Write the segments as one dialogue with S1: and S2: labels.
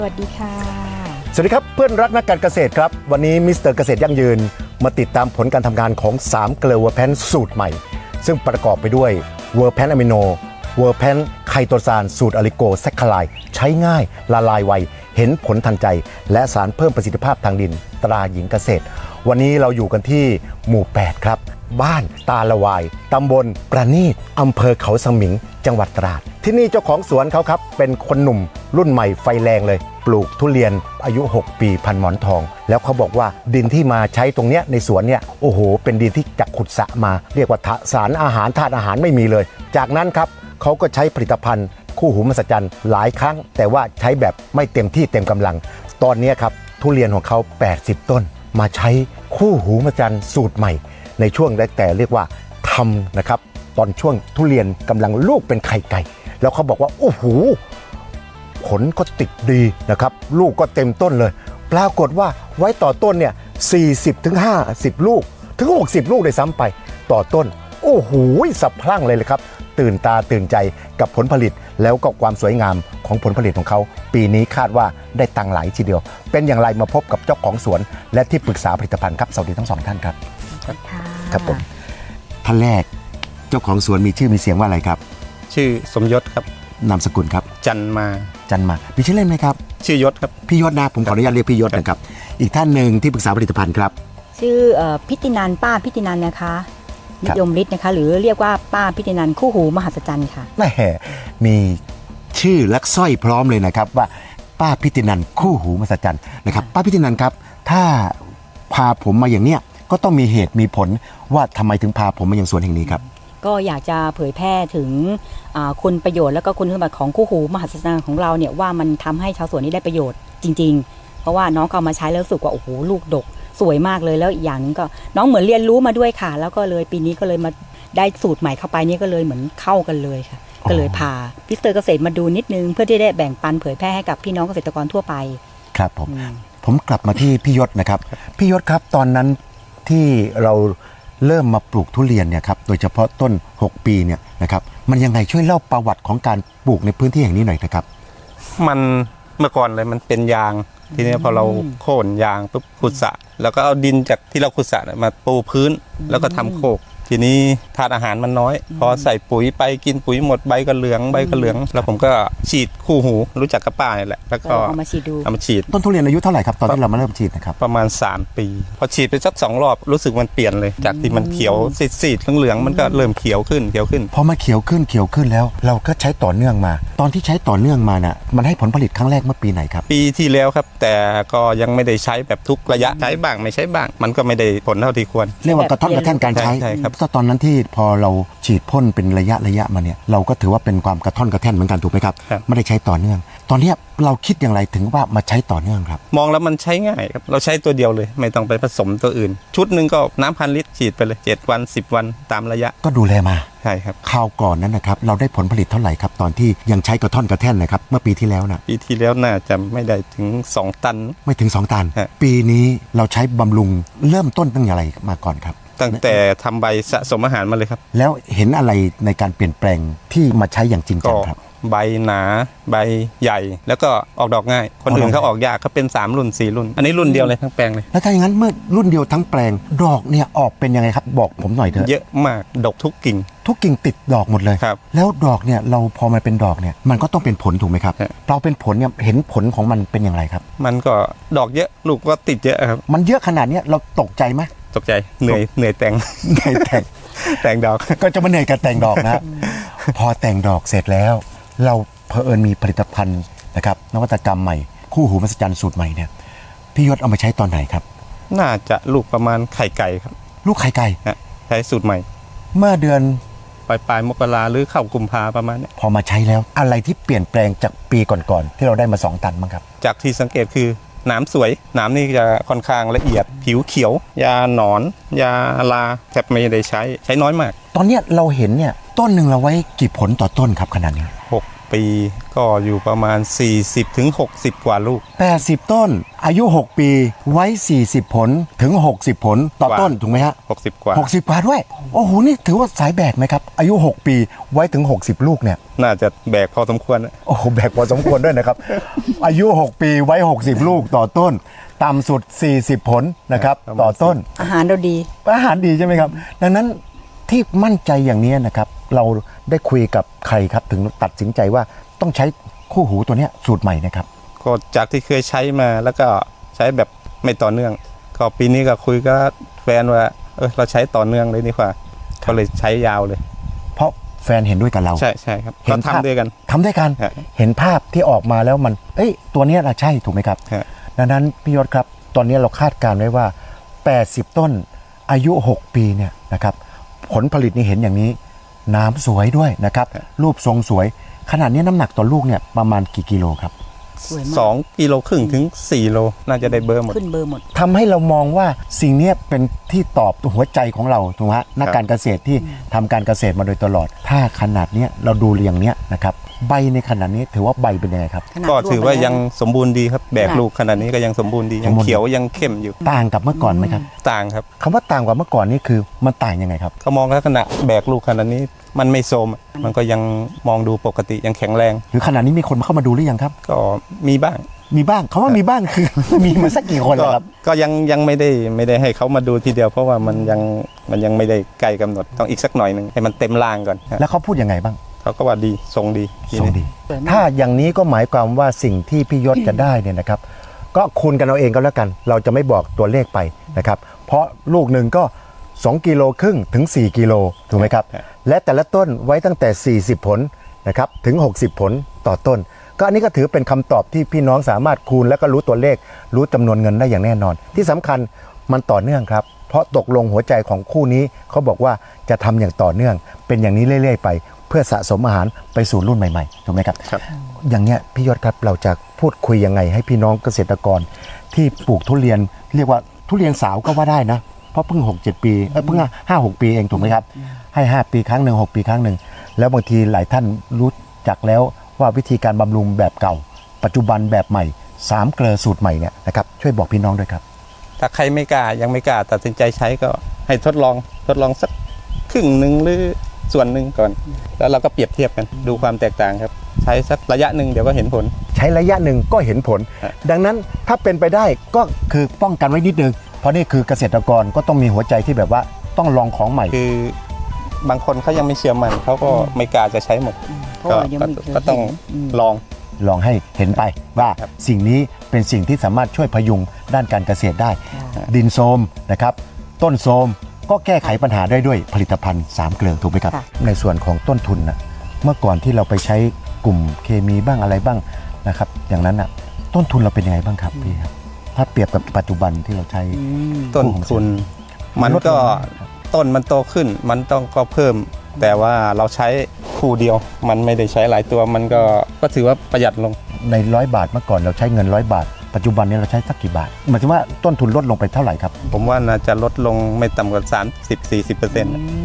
S1: สวัสดีค่ะ
S2: สวัสดีครับเพื่อนรักนักการเกษตรครับวันนี้มิสเตอร์เกษตรยั่งยืนมาติดตามผลการทำงานของ3เกลือเวอร์แพนสูตรใหม่ซึ่งประกอบไปด้วยเวอร์แพนอะมิโนเวอร์แพนไคโตซานสูตรอะลิโกแซคคาไลใช้ง่ายละลายไวเห็นผลทันใจและสารเพิ่มประสิทธิภาพทางดินตราหญิงเกษตรวันนี้เราอยู่กันที่หมู่8ครับบ้านตาละวายตำบลประณีตอำเภอเขาสมิงจังหวัดตราดที่นี่เจ้าของสวนเขาครับเป็นคนหนุ่มรุ่นใหม่ไฟแรงเลยปลูกทุเรียนอายุ 6 ปีพันหมอนทองแล้วเขาบอกว่าดินที่มาใช้ตรงเนี้ยในสวนเนี่ยโอ้โหเป็นดินที่จากขุดสระมาเรียกว่าสารอาหารธาตุอาหารไม่มีเลยจากนั้นครับเขาก็ใช้ผลิตภัณฑ์คู่หูมหัศจรรย์หลายครั้งแต่ว่าใช้แบบไม่เต็มที่เต็มกำลังตอนนี้ครับทุเรียนของเขา80ต้นมาใช้คู่หูมหัศจรรย์สูตรใหม่ในช่วงแรกแต่เรียกว่าทำนะครับตอนช่วงทุเรียนกำลังลูกเป็นไข่ไก่แล้วเขาบอกว่าโอ้โหผลก็ติดดีนะครับลูกก็เต็มต้นเลยปรากฏว่าไว้ต่อต้นเนี่ย40-50 ลูกถึง60 ลูกเลยซ้ำไปต่อต้นโอ้โหสะพรั่งเลยครับตื่นตาตื่นใจกับผลผลิตแล้วก็ความสวยงามของผลผลิตของเขาปีนี้คาดว่าได้ตังค์หลายทีเดียวเป็นอย่างไรมาพบกับเจ้าของสวนและที่ปรึกษาผลิตภัณฑ์ครับสวัสดีทั้งสองท่านครับครับผมท่านแรกเจ้าของสวนมีชื่อมีเสียงว่าอะไรครับ
S3: ชื่อสมยศครับ
S2: นามสกุลครับ
S3: จันมา
S2: มีชื่อเล่นไหมครับ
S3: ชื่อยศครับ
S2: พี่ยศนะผมขออนุญาตเรียกพี่ยศนะครับอีกท่านหนึ่งที่ปรึกษาผลิตภัณฑ์ครับ
S1: ชื่อพิตินันป้าพิตินันนะคะนิยมฤทธิ์นะคะหรือเรียกว่าป้าพิตินันคู่หูมหัศจรรย์ค่ะ
S2: แม่มีชื่อและสร้อยพร้อมเลยนะครับว่าป้าพิตินันคู่หูมหัศจรรย์นะครับป้าพิตินันครับถ้าพาผมมาอย่างเนี้ยก็ต้องมีเหตุมีผลว่าทำไมถึงพาผมมาอย่างสวนแห่งนี้ครับ
S1: ก็อยากจะเผยแพร่ถึงคุณประโยชน์และก็คุณสมบัติของคู่หูมหัศจรรย์ของเราเนี่ยว่ามันทำให้ชาวสวนนี้ได้ประโยชน์จริงๆเพราะว่าน้องเอามาใช้แล้วรู้สึกว่าโอ้โหลูกดกสวยมากเลยแล้วอีกอย่างนึงก็น้องเหมือนเรียนรู้มาด้วยค่ะแล้วก็เลยปีนี้ก็เลยมาได้สูตรใหม่เข้าไปนี่ก็เลยเหมือนเข้ากันเลยค่ะก็เลยพามิสเตอร์เกษตรมาดูนิดนึงเพื่อที่ได้แบ่งปันเผยแพร่ให้กับพี่น้องเกษตรกรทั่วไป
S2: ครับผมกลับมาที่พี่ยศนะครับพี่ยศครับตอนนั้นที่เราเริ่มมาปลูกทุเรียนเนี่ยครับโดยเฉพาะต้น6ปีเนี่ยนะครับมันยังไงช่วยเล่าประวัติของการปลูกในพื้นที่แห่งนี้หน่อยนะครับ
S3: มันเมื่อก่อนเลยมันเป็นยางทีนี้พอเราโค่นยางปุ๊บขุดสระแล้วก็เอาดินจากที่เราขุดสระมาปูพื้นแล้วก็ทำโคกทีนี้ธาตุอาหารมันน้อยพอใส่ปุ๋ยไปกินปุ๋ยหมดใบก็เหลืองแล้วผมก็ฉีดคู่หูรู้จักกับป้าเนี่ยแหละแล้วก็
S1: เอามาฉีดดู
S2: ต้นทุเรียนอายุเท่าไหร่ครับตอนที่เรามาเริ่มฉีดนะครับ
S3: ประมาณ3ปีพอฉีดไปสัก2รอบรู้สึกมันเปลี่ยนเลยจากที่มันเขียวซีดเหลืองมันก็เริ่มเขียวขึ้น
S2: พอมาเขียวขึ้นแล้วเราก็ใช้ต่อเนื่องมาตอนที่ใช้ต่อเนื่องมาน่ะมันให้ผลผลิตครั้งแรกเมื่อปีไหนครับ
S3: ปีที่แล้วครับแต่ก็ยังไม่ได้ใช้แบบทุกระยะใช้บ้างไม่ใช้บ้างมันก็ไม่ได้ผลเท่าที่ควร
S2: เรียกว่ากระท่อนกระแท่นการใช้
S3: ครับ
S2: ตอนนั้นที่พอเราฉีดพ่นเป็นระยะมาเนี่ยเราก็ถือว่าเป็นความกระท่อนกระแท่นเหมือนกันถูกไหมครับไม่ได้ใช้ต่อเนื่องตอนนี้เราคิดอย่างไรถึงว่ามาใช้ต่อเนื่องครับ
S3: มองแล้วมันใช้ง่ายครับเราใช้ตัวเดียวเลยไม่ต้องไปผสมตัวอื่นชุดหนึ่งก็น้ำ1,000 ลิตรฉีดไปเลย7 วัน 10 วันตามระยะ
S2: ก็ดูแลมา
S3: ใช่ครับ
S2: คราวก่อนนั้นนะครับเราได้ผลผลิตเท่าไหร่ครับตอนที่ยังใช้กระท่อนกระแท่นนะครับเมื่อปีที่แล้วนะ
S3: ปีที่แล้วน่าจะไม่ได้ถึง2 ตัน
S2: ไม่ถึง2 ตันปีนี้เราใช้บำรุงเริ่มต้นตั้งอะไรมาก่อนครับ
S3: ตั้งแต่ทำใบสะสมอาหารมาเลยครับ
S2: แล้วเห็นอะไรในการเปลี่ยนแปลงที่มาใช้อย่างจริงจังครับ
S3: ใบหนาใบใหญ่แล้วก็ออกดอกง่ายคนอื่นเขาออกยากเขาเป็น3 รุ่น 4 รุ่นอันนี้รุ่นเดียวเลยทั้งแปลงเลย
S2: แล้วถ้าอย่างนั้นเมื่อรุ่นเดียวทั้งแปลงดอกเนี่ยออกเป็นยังไงครับบอกผมหน่อยเถอะ
S3: เยอะมากดกทุกกิ่ง
S2: ติดดอกหมดเลย
S3: ครับ
S2: แล้วดอกเนี่ยเราพอมันเป็นดอกเนี่ยมันก็ต้องเป็นผลถูกไหมครับเราเป็นผลเนี่ยเห็นผลของมันเป็นอย่างไรครับ
S3: มันก็ดอกเยอะลูกก็ติดเยอะครับ
S2: มันเยอะขนาดนี้เราตกใจไหม
S3: ตกใจเหนื่อยแต่งดอก
S2: ก็จะมาเหนื่อยกับแต่งดอกนะพอแต่งดอกเสร็จแล้วเราเผอิญมีผลิตภัณฑ์นะครับนวัตกรรมใหม่คู่หูมหัศจรรย์สูตรใหม่เนี่ยพี่ยศเอามาใช้ตอนไหนครับ
S3: น่าจะลูกประมาณไข่ไก่ครับ
S2: ลูกไข่ไก่
S3: ใช้สูตรใหม่
S2: เมื่อเดือน
S3: ปลายมกราหรือเข้ากุมภาประมาณนี้
S2: พอมาใช้แล้วอะไรที่เปลี่ยนแปลงจากปีก่อนๆที่เราได้มา2 ตันบ้างครับ
S3: จากที่สังเกตคือหนามสวยหนามนี่จะค่อนข้างละเอียดผิวเขียวยาหนอนยาลาแทบไม่ได้ใช้น้อยมาก
S2: ตอนนี้เราเห็นเนี่ยต้นหนึ่งเราไว้กี่ผลต่อต้นครับขนาดนี้
S3: ปีก็อยู่ประมาณ 40-60 กว่าลูก
S2: 80 ต้นอายุ 6 ปีไว้ 40 ผลถึง 60 ผลต่อก
S3: ว่า
S2: ต้นถูกไหมฮะ
S3: 60 กว่า
S2: 60 กว่าด้วย โอ้โห นี่ถือว่าสายแบกไหมครับ อายุ 6 ปีไว้ถึง 60 ลูกเนี่ย
S3: น่าจะแบกพอสมควรนะ
S2: โอ้โห แบกพอสมควรด้วยนะครับ อายุ 6 ปีไว้ 60 ลูกต่อต้น ต่ำสุด 40 ผลนะครับ
S3: ประมาณ
S2: ต่อต้น
S1: อาหารเราดี
S2: อาหารดีใช่ไหมครับ ดังนั้นที่มั่นใจอย่างนี้นะครับ เราได้คุยกับใครครับถึงตัดสินใจว่าต้องใช้คู่หูตัวเนี้ยสูตรใหม่นะครับ
S3: ก็จากที่เคยใช้มาแล้วก็ใช้แบบไม่ต่อเนื่อง ก็ปีนี้ก็คุยกับแฟนว่าเราใช้ต่อเนื่องเลยดีกว่าก็เลยใช้ยาวเลย
S2: เพราะแฟนเห็นด้วยกับเรา
S3: ใช่ครับ
S2: เห็
S3: ก็
S2: นภาพ
S3: ทำด้วยกัน
S2: ทำด้วยกัน
S3: ฮะ
S2: เห็นภาพที่ออกมาแล้วมันตัวเนี้ยเราใช่ถูกไหมครับ
S3: ฮะ
S2: ดังนั้นพี่ยศครับ ตอนนี้เราคาดการณ์ไว้ว่า 80 ต้นอายุ 6 ปีเนี่ยนะครับผลผลิตนี่เห็นอย่างนี้ น้ำสวยด้วยนะครับ รูปทรงสวย ขนาดนี้น้ำหนักต่อลูกเนี่ยประมาณกี่กิโลครับ
S1: สวยมาก
S3: 2.5 กิโลถึง 4 โลน่าจะได้เบอร์หมด
S1: ขึ้นเบอร์หมด
S2: ทำให้เรามองว่าสิ่งเนี้ยเป็นที่ตอบหัวใจของเราถูกไหมฮะนักการเกษตรที่ทำการเกษตรมาโดยตลอด ถ้าขนาดเนี้ยเราดูเรียงเนี้ยนะครับใบในขนาดนี้ถือว่าใบเป็นยังไงครับ
S1: ขนาด
S3: ก็ถือว่า
S1: ร่ไปแล้ว
S3: ยังสมบูรณ์ดีครับแบกลูกขนาดนี้ก็ยังสมบูรณ์ดียังเขียวยังเข้มอยู่
S2: ต่างกับเมื่อก่อนไหมครับ
S3: ต่างครับ
S2: คำว่าต่างกว่าเมื่อก่อนนี่คือมันต่างยังไงครับ
S3: ก็มองลักษณะแบกลูกขนาดนี้มันไม่โทรมมันก็ยังมองดูปกติยังแข็งแรง
S2: หรือขนาดนี้มีคนเข้ามาดูหรือยังครับ
S3: ก็มีบ้าง
S2: มีบ้างคำว่ามีบ้างคือ มีมาสักกี่คนแล้วครับ
S3: ก็ยังไม่ได้ให้เขามาดูทีเดียวเพราะว่ามันยังไม่ได้ใกล้กำหนดต้องอีกสักหน่อยหนึ่งให้มันเต็มรางก่อน
S2: แล้วเขาพูดยังไงบ้าง
S3: เขาก็ว่าดีทรงดีที
S2: ทรง
S3: นี้
S2: ดี
S1: สวยมาก
S2: ถ้าอย่างนี้ก็หมายความว่าสิ่งที่พี่ยศจะได้เนี่ยนะครับ ก็คูณกันเอาเองก็แล้วกัน เราจะไม่บอกตัวเลขไปนะครับ เพราะลูกหนึ่งก็2.5 กิโลถึง 4 กิโลถูกไหมครับ และแต่ละต้นไว้ตั้งแต่ 40 ผลนะครับถึง 60 ผลต่อต้น ก็อันนี้ก็ถือเป็นคำตอบที่พี่น้องสามารถคูณแล้วก็รู้ตัวเลข รู้จำนวนเงินได้อย่างแน่นอน ที่สำคัญมันต่อเนื่องครับ เพราะตกลงหัวใจของคู่นี้เขาบอกว่าจะทำอย่างต่อเนื่อง เป็นอย่างนี้เรื่อยๆไป เพื่อสะสมอาหารไปสู่รุ่นใหม่ๆถูกไหมครับ
S3: ครับ
S2: อย่างเนี้ยพี่ยศครับเราจะพูดคุยยังไงให้พี่น้องเกษตรกรที่ปลูกทุเรียนเรียกว่าทุเรียนสาวก็ว่าได้นะ เพราะเพิ่ง 6-7 ปีเพิ่ง 5-6 ปีเองถูกไหมครับให้ 5 ปีครั้งหนึ่ง6 ปีครั้งหนึ่งแล้วบางทีหลายท่านรู้จักแล้วว่าวิธีการบำรุงแบบเก่า ปัจจุบันแบบใหม่3 เกลือสูตรใหม่เนี่ยนะครับช่วยบอกพี่น้องด้วยครับ
S3: ถ้าใครไม่กล้ายังไม่กล้าตัดสินใจใช้ก็ให้ทดลองสักครึ่งหนึ่งหรือส่วนหนึ่งก่อน แล้วเราก็เปรียบเทียบกันดูความแตกต่างครับ ใช้สักระยะหนึ่งเดี๋ยวก็เห็นผล
S2: ใช้ระยะหนึ่งก็เห็นผล
S3: ฮะ
S2: ดังนั้นถ้าเป็นไปได้ก็คือป้องกันไว้นิดนึงเพราะนี่คือเกษตรกรก็ต้องมีหัวใจที่แบบว่าต้องลองของใหม่
S3: คือบางคนเขายังไม่เชื่อมันเขาก็ไม่กล้าจะใช้หมด
S1: เพราะว่ายังไม่เคย
S3: ก็ต้อง
S1: เห็น
S3: ลอง
S2: ลองให้เห็นไปว่า
S3: ครับ
S2: สิ่งนี้เป็นสิ่งที่สามารถช่วยพยุงด้านการเกษตรได้ ดินโทรมนะครับต้นโทรมก็แก้ไขปัญหาได้ด้วยผลิตภัณฑ์3 เกลือถูกไหมครับ
S1: ค่ะ
S2: ในส่วนของต้นทุนนะเมื่อก่อนที่เราไปใช้กลุ่มเคมีบ้างอะไรบ้างนะครับอย่างนั้นนะต้นทุนเราเป็นยังไงบ้างครับพี่ครับถ้าเปรียบกับปัจจุบันที่เราใช้
S1: อืม
S3: ต้นทุนมันก็ต้นมันโตขึ้นมันต้องก็เพิ่ม แต่ว่าเราใช้คู่เดียว มันไม่ได้ใช้หลายตัวมันก็ถือว่าประหยัดลง
S2: ใน100 บาทเมื่อก่อนเราใช้เงิน100 บาท ปัจจุบันนี้เราใช้สักกี่บาทหมายถึงว่าต้นทุนลดลงไปเท่าไหร่ครับ
S3: ผมว่าน่าจะลดลงไม่ต่ำกว่า 30-40%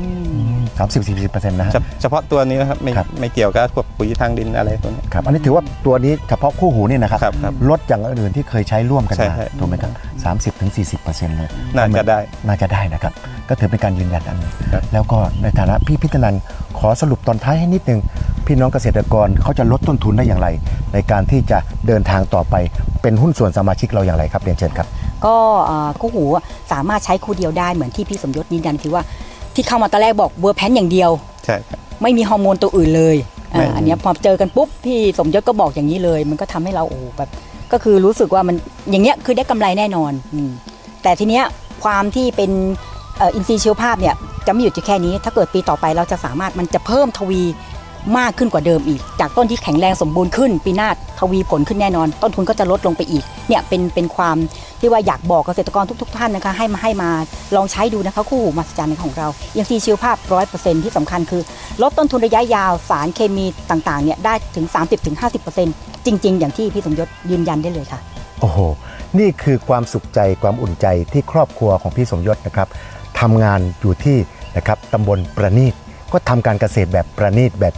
S2: 30-40%นะฮะ
S3: เฉพาะตัวนี้นะครับไม่
S2: ครับ
S3: ไม่เกี่ยวกับพวกปุ๋ยทางดินอะไรพวกนี้
S2: ครับอันนี้ถือว่าตัวนี้เฉพาะคู่หูนี่นะครับ
S3: ครับ
S2: ลดอย่างอื่นที่เคยใช้ร่วมกัน
S3: ใช่
S2: มา
S3: ใช่
S2: ถูกไหมครับ30-40%เลย
S3: น่าจะได้
S2: น่าจะได้นะครับ ก็ถือเป็นการยืนยันอันหนึง
S3: ครับ
S2: แล้วก็ในฐานะพี่พิจนันท์ขอสรุปตอนท้ายให้นิดนึง พี่น้องเกษตรกรเขาจะลดต้นทุนได้อย่างไร ในการที่จะเดินทางต่อไปเป็นหุ้นส่วนสมาชิกเราอย่างไรครับเรียนเชิญครับ
S1: ก็คู่หูสามารถใช้คู่เดียวได้เหมือนที่พี่สมยศยืนยันคือว่าที่เข้ามาตอนแรกบอกเวอร์แพนอย่างเดียว
S3: ใช่ครับ
S1: ไม่มีฮอร์โมนตัวอื่นเลย
S3: ไม่มี
S1: อันเนี้ยพอเจอกันปุ๊บพี่สมยศก็บอกอย่างนี้เลย มันก็ทำให้เราโอ้โหแบบก็คือรู้สึกว่ามันอย่างเงี้ยคือได้กำไรแน่นอนแต่ทีเนี้ยความที่เป็นอินทรีย์ชีวภาพเนี่ยจะไม่หยุดอยู่แค่นี้ ถ้าเกิดปีต่อไปเราจะสามารถมันจะเพิ่มทวีมากขึ้นกว่าเดิมอีก จากต้นที่แข็งแรงสมบูรณ์ขึ้นปีหน้าทวีผลขึ้นแน่นอน ต้นทุนก็จะลดลงไปอีกเนี่ยเป็นความที่ว่าอยากบอกเกษตรกรทุกท่านนะคะให้มาลองใช้ดูนะคะคู่หูมหัศจรรย์ของเราอินทรีย์ชีวภาพ 100% ที่สำคัญคือลดต้นทุนระยะยาวสารเคมีต่างๆเนี่ยได้ถึง 30-50% จริง ๆ อย่างที่พี่สมยศยืนยันได้เลยค่ะ
S2: โอ้โห นี่คือความสุขใจความอุ่นใจที่ครอบครัวของพี่สมยศนะครับทำงานอยู่ที่นะครับตำบลประณีตก็ทำการเกษตรแบบประณีตแบบนี้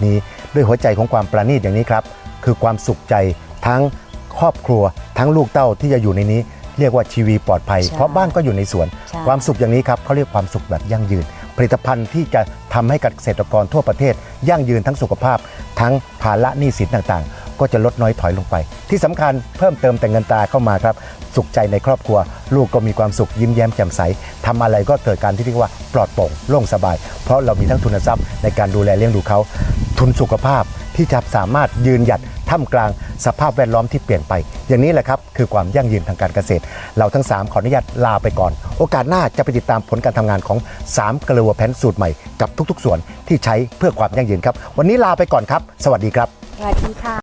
S2: ด้วยหัวใจของความประณีตอย่างนี้ครับคือความสุขใจทั้งครอบครัวทั้งลูกเต้าที่จะอยู่ในนี้เรียกว่าชีวีปลอดภัย
S1: ใช่
S2: เพราะบ้านก็อยู่ในสวน
S1: ใช่
S2: ความสุขอย่างนี้ครับเขาเรียกความสุขแบบยั่งยืน ผลิตภัณฑ์ที่จะทำให้เกษตรกรทั่วประเทศยั่งยืนทั้งสุขภาพ ทั้งภาระหนี้สินต่างๆ ก็จะลดน้อยถอยลงไป ที่สำคัญเพิ่มเติมแต่เงินตราเข้ามาครับสุขใจในครอบครัว ลูกก็มีความสุขยิ้มแย้มแจ่มใสทำอะไรก็เกิดการที่เรียกว่าปลอดโปร่งโล่งสบาย เพราะเรามีทั้งทุนทรัพย์ในการดูแลเลี้ยงดูเขาทุนสุขภาพที่จะสามารถยืนหยัดท่ามกลางสภาพแวดล้อมที่เปลี่ยนไป อย่างนี้แหละครับคือความยั่งยืนทางการเกษตร เราทั้ง3ขออนุญาตลาไปก่อนโอกาสหน้าจะไปติดตามผลการทำงานของ3เกลือแพนสูตรใหม่กับทุกๆส่วนที่ใช้เพื่อความยั่งยืนครับวันนี้ลาไปก่อนครับสวัสดีครับ
S1: สวัสดีค่ะ